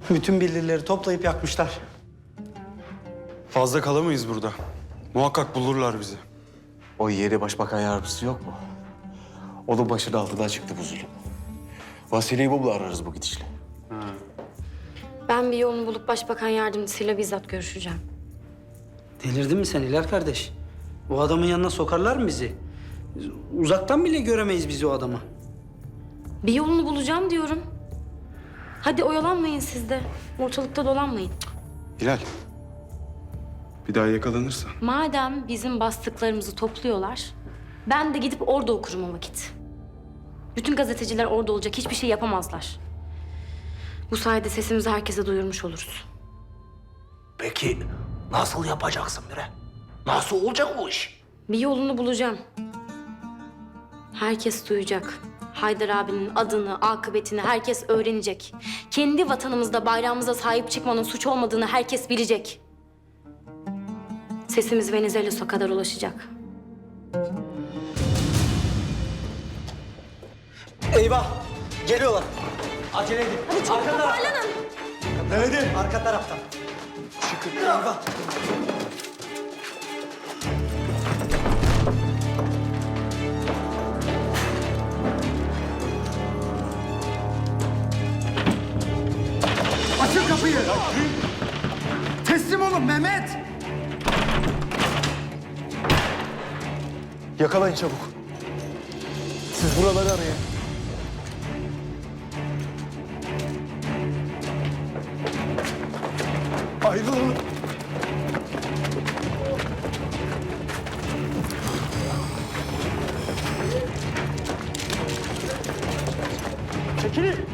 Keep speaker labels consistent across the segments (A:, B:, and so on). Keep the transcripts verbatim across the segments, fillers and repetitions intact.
A: Bütün bildirileri toplayıp yakmışlar.
B: Fazla kalamayız burada. Muhakkak bulurlar bizi.
C: O yeri başbakan yardımcısı yok mu? Onun başının altından çıktı bu zulüm. Vasileyi bu ararız bu gidişle.
D: Ben bir yolunu bulup başbakan yardımcısıyla bizzat görüşeceğim.
A: Delirdin mi sen İlal kardeş? O adamın yanına sokarlar mı bizi? Uzaktan bile göremeyiz biz o adamı.
D: Bir yolunu bulacağım diyorum. Hadi oyalanmayın siz de. Ortalıkta dolanmayın.
B: Hilal. Bir daha yakalanırsa.
D: Madem bizim bastıklarımızı topluyorlar, ben de gidip orada okurum o vakit. Bütün gazeteciler orada olacak, hiçbir şey yapamazlar. Bu sayede sesimizi herkese duyurmuş oluruz.
E: Peki nasıl yapacaksın Mire? Nasıl olacak bu iş?
D: Bir yolunu bulacağım. Herkes duyacak. Haydar abinin adını, akıbetini herkes öğrenecek. Kendi vatanımızda, bayrağımıza sahip çıkmanın suç olmadığını herkes bilecek. Sesimiz Venizelos'a kadar ulaşacak.
A: Eyvah! Geliyorlar. Acele edin.
D: Hadi çabuk toparlanın.
A: Evet, arka taraftan. Çıkın. Eyvah!
F: Açın kapıyı! Teslim olun Mehmet!
C: Yakalayın çabuk. Siz buraları arayın. Ayrılın. Çekilin.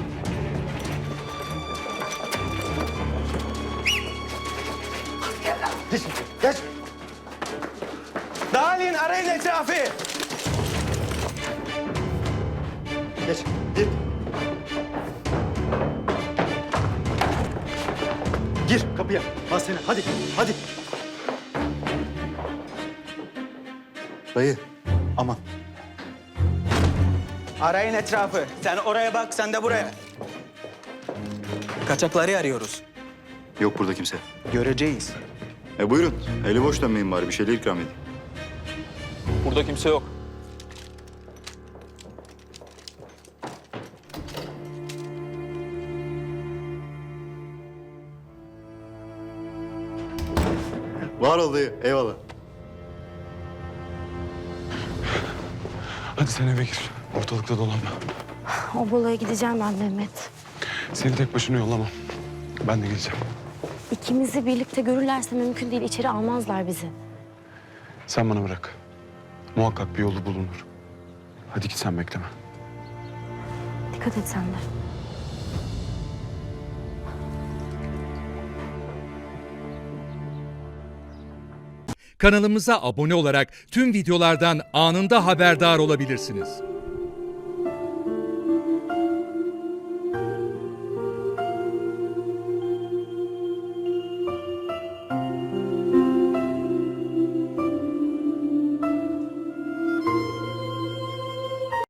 C: Geç, geç.
A: Dağılın, arayın etrafı.
F: Geç, gir. Gir kapıya. Bas seni. Hadi, hadi.
C: Dayı, aman.
A: Arayın etrafı. Sen oraya bak, sen de buraya. Kaçakları arıyoruz.
G: Yok burada kimse.
A: Göreceğiz.
G: E buyurun. Eli boş dönmeyin bari. Bir şeyler ikram edin.
H: Burada kimse yok.
G: Var ol dayı. Eyvallah.
B: Hadi sen eve gir. Ortalıkta dolanma.
D: O balaya gideceğim ben Mehmet.
B: Seni tek başına yollamam. Ben de geleceğim.
D: İkimizi birlikte görürlerse mümkün değil, içeri almazlar bizi.
B: Sen bana bırak. Muhakkak bir yolu bulunur. Hadi git sen bekleme.
D: Dikkat et sen de.
I: Kanalımıza abone olarak tüm videolardan anında haberdar olabilirsiniz.